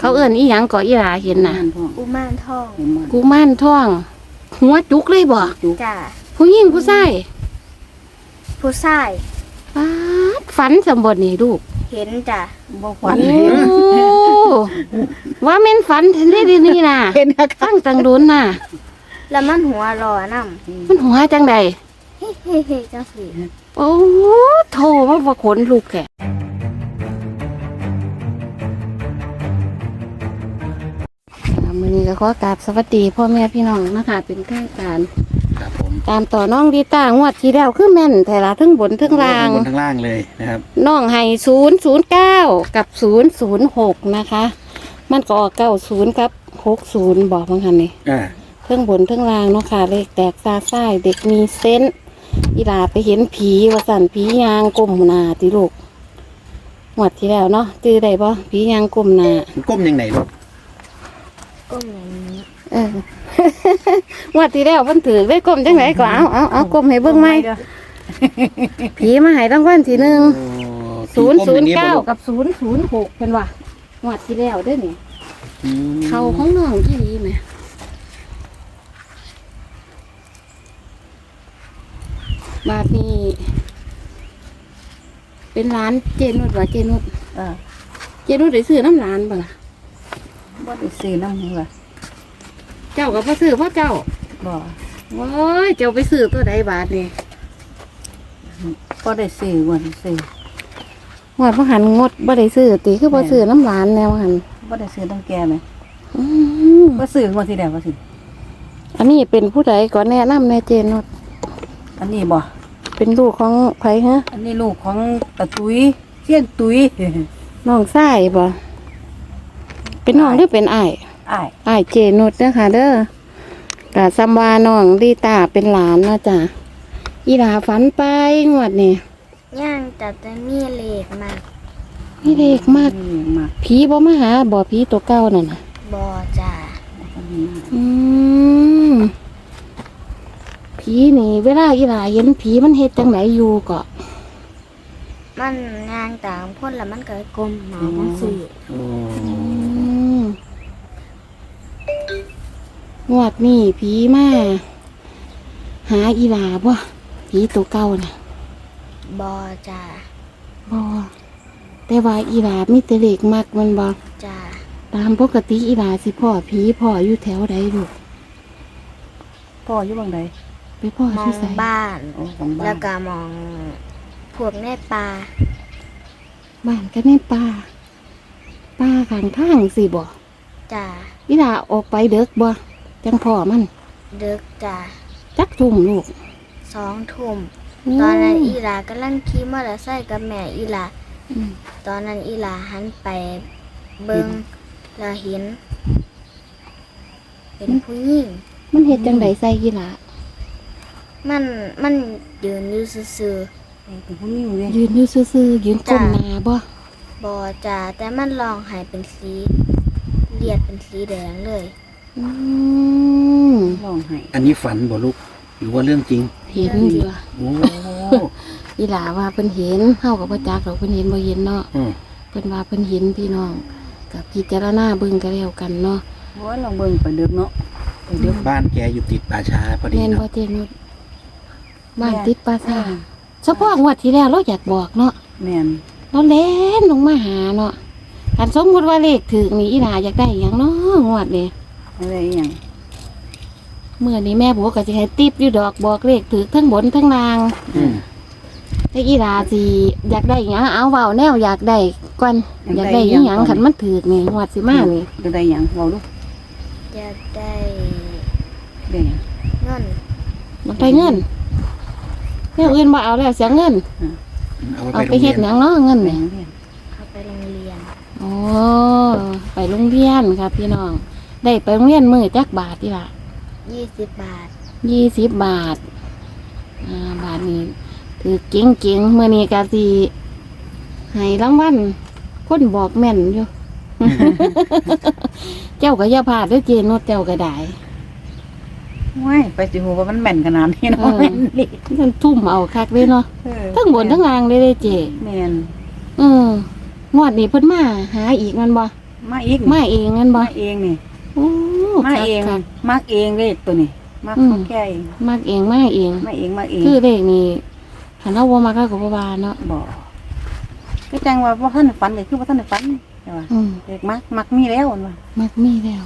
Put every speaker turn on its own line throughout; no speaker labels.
เขาเอิ้นอีหยังก็อีหลาเห็นน่ะ
กุมารทอง
กุมารทอง หัวจุกเลยบ่
จ้า
ผู้หญิงผู้ชาย
ผู้ชาย
ป๊าดฝันสมบทนี่ลูก
เห็นจ้ะ
บ่ฝัน
โอ้ว่าแม่นฝันเห็นได้ดีนี่น่ะ
เห็นนะ
ตั้งตังโดนน่ะ
แล้วมันหัวรอน
มันหัวจังใด
ำเฮ้เฮ้เฮ้จังสิ
โอ้โถมาบ่ขนลูกแกมื้อนี้ก็ขอกราบสวัสดีพ่อแม่พี่น้องนะคะเป็นทางการ
ครับผม
ตามต่อน้องดีต้างวดที่แล้วคือแม่นแต่ละทั้งบนทั้งล่าง
บนทั้งล่างเลยนะครับ
น้องให้009 กับ 006 นะคะ มันก็ออก90 กับ 60 บอกบางคันนี่
อ่า
เทั้งบนเทั้งล่างเนาะค่ะเลขแตกตาซ้ายเด็กมีเซนส์อีหลาไปเห็นผีว่าสั่นผียางก้มหน้าติลูกหมดที่แล้วเนาะจื้อได้บ่ผียางก้มหน้า
มันก้มยังไงลูก
ก้มอย่างนี้
เออ หมดที่แล้วเพิ่นถือได้ก้มจังไดก็เอาก้มให้เบิ่งไหมผีมาให้รางวัลที่หนึ่ง
โอ้ผีก้มอย่างนี้บ่ลู
009 กับ 006เพิ่นว่าหมดที่แล้วเด้อนี่
อืม
เขาของน้องที่ดีไหมบาทนี้เป็นร้านเจนุดว่าเจนุด เจนุดได้ซื้อน้ำร้านบ่ล่ะ
บ่ได้ซื้อน้ำหัว
เจ้าก็บ่ซื้อเพราะเจ้า
บ่
โอ้ยเจ้าไปซื้อตัวใดบาทนี่
บ่ได้ซื้อบ่ได้ซื้อ
หวดบ่หันงดบ่ได้ซื้อติคือบ่ซื้อน้ำร้านแนวหัน
บ่ได้ซื้อตั้งแก่ไหม
อืม
บ่ซื้อบ่สิได้บ่สิ
อันนี้เป็นผู้ใดก็แนะนำแน่เจนุด
อันนี้บ่
เป็นลูกของไผฮะ
อันนี้ลูกของตะตุ้ยเชียนตุ้ย
น้องชายบ่เป็นน้องหรือเป็นอ้าย
อ้าย
อ้ายเจนุดนะคะเด้อกะซัมวาน้องดีตาเป็นหลานเนาะจ้ะอีหลาฝันไปงวดนี่
ย่างจัดจะมีเหล็กมาก
มีเด็กมาก
นี่มาก
ผีบ่มาหาบ่ผีตัวเก่านั่นน่ะ
บอจ้า
อืมผีนี่ เวลาอีหลาเห็นผีมันเฮ็ดจังไหนอยู่ก็
มันย่างต่างพ่นแล้วมันก็กลมหนาจังสิ
โอ้
อืมงวดนี่ผีมาหาอีหลาบ่ผีตัวเก่าน่ะ
บอจ้า
บ่แต่ว่าอีหลามีแต่เด็กมักมันบ่
จ้า
ตามปกติอีหลาสิพ่อผีพ่ออยู่แถวใดลูก
พ่ออยู่บังใด
ไปพ่อ
มอ
ที่
ง
ไส
บ้าน
โอ้ของบ้า
แล้
น
วก็มองพวกในป่า
บ้านก็ในป่าป่าข้างทางสิบ่
จ้า
อีหลาออกไปเด็กบ่จังพ่อมัน
เด็กจ้า
จักทุ่มลูก
2 ทุ่มตอนนั้นอีหลากำลังขี่มอเตอร์ไซค์กับแม่อีหลา
อืม
ตอนนั้นอีหลาหันไปเบิ่งแล้วเห็น เป็นผู้หญิง
มันเฮ็ดจังไดใส่อีหลา
มันยืนอยู่ซื่อ
เป็นผู้หญิงเลย
ยืนอยู่ซื่อๆยืนก้มหน้าบ่
ๆบอจ้าแต่มันลองใหายเป็นสีเลียดเป็นสีแดงเลย
อืม
ร้องไห้
อันนี้ฝันบ่ลูกหรือว่าเรื่องจริง
เห็นอยู่
โอ้
อีหลาว่าเพิ่นเห็นเฮาก็บ่จักดอกเพิ่นเห็นบ่เห็นเนาะ
อืม
เพิ่นว่าเพิ่นเห็นพี่น้องกับพิจารณาเบิ่งก็แล้วกันเนาะ
โอ้ยลองเบิ่งไปเด้อเนาะไปเด้อ
บ้านแกอยู่ติดป่าช้าพอดี
แม่นบ่
เนาะ
เจนุชบ้านติดปราสาทเฉพาะงวดที่แล้วเราอยากบอกเนาะ
แม่น
เราเล่นลงมาหาเนาะอันสมมุติว่าเลขถึกนี่อีหลาอยากได้หยังเนาะงวดนี้
อะไรอีหยัง
เมื่อนี้แม่บัวก็สิให้ติปอยู่ดอกบอกเลขถึกทั้งบนทั้งล่าง
อืม
แต่อีหลาสิอยากได้หยังเอาเว้าแนวอยากได้ก่อนอยากได้อีหยังคันมันถึกนี่งวดสิมานี่
จะได้หยังเว้าลูก
อยากได้
ได้หยัง
เงิน
อยากได้เงินแนวอื่นบ่เอาแล้วเสียเงิน
เอา
เอา
ไป
ไป
โรงเรี
เฮ็
ย
ด
น
หยังเนาะเงิน
แม่
นี่
เรียน
เอาไปโรงเรียน
โอ้ไปโรงเรียนครับพี่น้องได้ไปโรงเรียนมื้อจักบาทอีหล่ะ
20 บาท
20 บาทบาทนี้ถือเก่งๆมื้อนี้ก็สิให้รางวัลคนบอกแม่นอยู่ เจ้าก็อย่าพลาดเด้อเจนุชเจ้าก็ได้
ว้ายไปสิฮู้ว่ามันแม่นขนาดนี้เนาะ
เออ
แม่นนี่
มันทุ่มเอาคักเลยเนาะ
เออ
ทั้งบนทั้งล่างเลยเด้อเจ
แม่น
งวดนี้เพิ่นมาหาอีกแมันบ่
แมาอีก
มาเองงั้นบ่
มาเองนี่
โอ้
มาเอง
คัก
มักเองเลขตัวนี้มัก
อืม
ของแกเอง
ๆมักเองมาเอง
มาเองมาเอง
คือเลขนี่คันเราบ่มักก็บ่ว่าเนาะ
บ่ก็จังว่าบ่ทันได้ฝันเลยคือบ่ทันได้ฝันใช่ป่ะ
อืม
เด็กมักมีแล้วอันว่า
มักมีแล้ว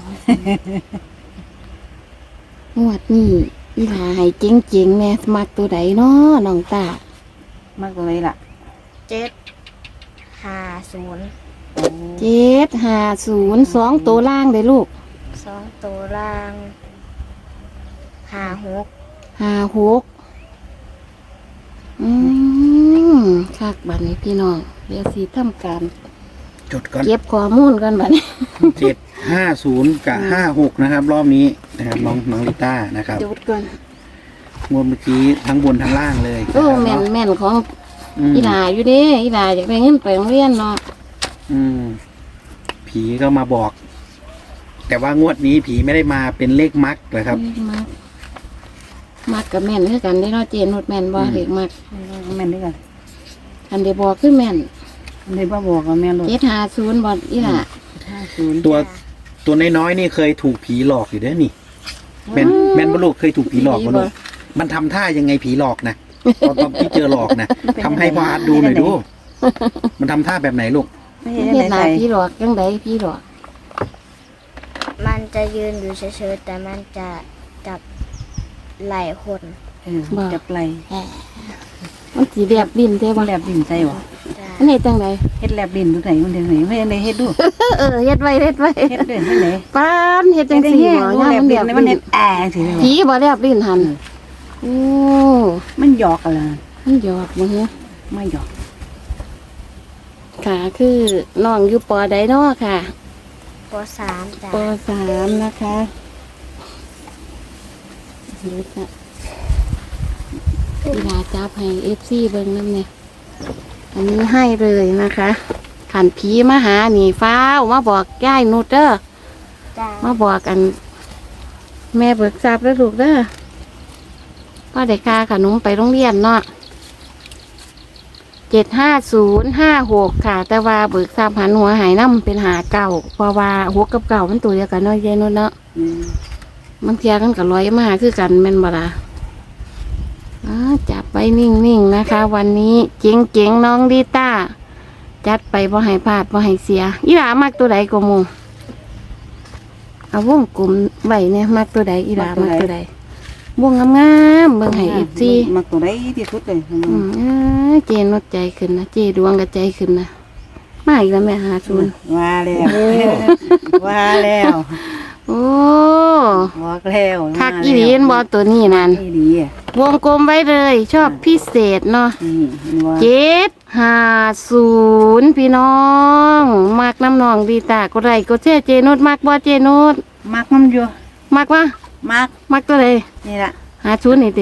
งวดนี้อีหลาให้เจ๋งๆแม่มักตัวใดเนาะน้องตา
มักเลยล่ะ
750
โอ้
750 2ตัวล่างได้ลูก
2ตัวล่าง56
56คักบัดนี้พี่น้องเดี๋ยวสิทำการ
จดก่อน
เก็บข้อมูลกันบัดนี้
750กับ56นะครับ รอบนี้นะครับน้องลิต้านะครับ
จดก่อน
งวดเมื่อกี้ทั้งบนทั้งล่างเลย
โอ้
นะครับ
แม่น
เนาะ
ของ
ม
อีหลาอยู่เด้อีหลาอยากได้เงินไปโรงเรียนเนาะ
อืมผีก็มาบอก แต่ว่างวดนี้ผีไม่ได้มาเป็นเลขมักนะครับ
มักกับแม่นคือกันได้เนาะเจนหดแม่นบ่เด็กมัก
แม่นด้วยกัน
อันเดบอกคือแม่น
อันนี้บ่บอกว่าแม่นรถ
750บ่อีหล่ะ
50
ตัวน้อยๆนี่เคยถูกผีหลอกอยู่เด้อนี่แม่นบ่ลูกเคยถูกผีหลอกบ่ลูกมันทำท่ายังไงผีหลอกนะตอนที่เจอหลอกนะทำให้พ่ออาร์ตดูหน่อยดู มันทำท่าแบบไหนลูก
ไม่
เฮ็
เห็น
ดห
ไหน
น้า
ใส่
พี่หลอกจังไดพี่หลอก
มันจะยืนอยู่เฉยๆแต่มันจะจับไหล่คน
จับไหล
มันสิแลบลิ้นได้บ่
แลบดินใส่บ่
จ้ะ
อันนี้จังได
เฮ็ดแลบดินดูไหนมันเฮ็ดไหนไม่ได้เฮ็ดดู
เฮ็ดไว้
เฮ็ดเด้อเฮ็ดไหน
ปานเฮ็ดจังซี่บ่
แล
ย่าม
บ
มัน
ดิ
แล
น
บ
มัน
ลิ้
เฮ็
น
ดสิเลย
ผีบ่แลบลิ้นหั่นโอ้
มันหยอกกันล่ะ
มันหยอกบ่ฮะ
ไม่หยอก
ค่ะคือน้องอยู่ปอใดเนาะค่ะ
ป.3 จ้ะ
ป.3 นะคะดูจ้ะเวลาจับให้ FC เบิ่งนำเนี่ยอันนี้ให้เลยนะคะขันผีมาหาหนีฟ้าวมาบอกย่ายนุดเด้อ
จ้ะ
มาบอกกัน แม่เบิกทราบแล้วลูกเด้อพ่อเด็กค่าขนมไปโรงเรียนเนาะ75056ค่ะ แต่ว่าเบิกทราบหันหัวหายน้ำเป็นหาเก่าเพราะว่าหัวกับเก่ามันตัวเดียวกันเนาะยายนุดเนาะมันเทียกันกับร้อยมาคือกันแม่นบ่ล่ะจับไว้นิ่งๆนะคะ วันนี้เจ๋งๆน้องดีต้าจัดไปบ่ให้พลาดบ่ให้เสียอีหลามักตัวใดก็มูเอาวงกลมไว้เนี่ยมักตัวใดอีหลามักตัวใดวงงามๆเบิ่งให้ FC
มักตัวใดที่สุดเลย
เจนดใจขึ้นนะเจดวงกับใจขึ้นนะมาอีกแล้วแม่50
ว่าแล้วว่าแล้ว
โอ้
บอกแล้ว
คักอีหลีนบ่ตัวนี้นั่น
อีหลีอ่ะ
วงกลมไว้เลย ชอบพิเศษเนาะ 750พี่น้องมักน้ำนองดีตาก็ไรก็เจเจนุดมักบ่เจนุด
มักมันอยู่
มักวะ มักตัวใด
นี่ล่ะ
50นี่ติ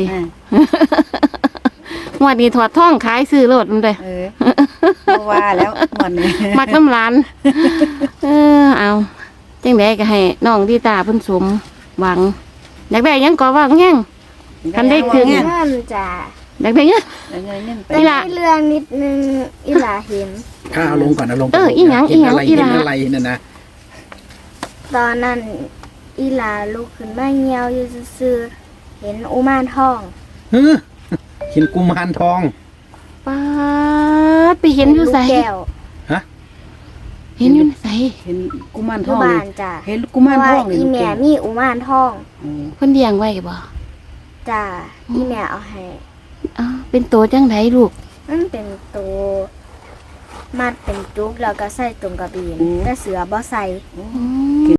งวดนี้ถอดท่องขายซื้อโลดมันเลย
ว่าแล้วหมดนี่
มักน้ำร้าน เอาจังไดก็ให้น้องดีตาเพิ่นสมหวังอยากได้หยังก็ว่าแฮง คันได้คืน
เงินจ้ะ
อยากได้หยัง
แต่มีเรื่องนิดนึงอีหลาเห็น
ข้าเอาลงก่อนเอาลงก่อน
อีหยัง
เห็นอะไร
อี
เห็
ห
น
ยัง
อะไรนั่นนะ
ตอนนั้นอีหลาลุกขึ้นมาเงียวอยู่ซื่อๆเห็นอุมานทอง
ฮึเห็นกุมารทอง
ป๊าดไปเห็นอยู่ไส
ลูกแก้ว
เห็นอยู่ไส
เห็นกุมาร
อ
ทอยู่ ง
บ้านจ้ะ
เห็นกุมารทอง
เพราะว่าอีแม่มีอุมานทอง
เพิ่นเลี้ยงไว้บ่
จ้ะอีแม่เอาให้
อ้าวเป็นโตจังไดลูก
มันเป็นตัวมัดเป็นจุกแล้วก็ใส่ตรงกระบีนแต่เสือบ่ใส่
อืม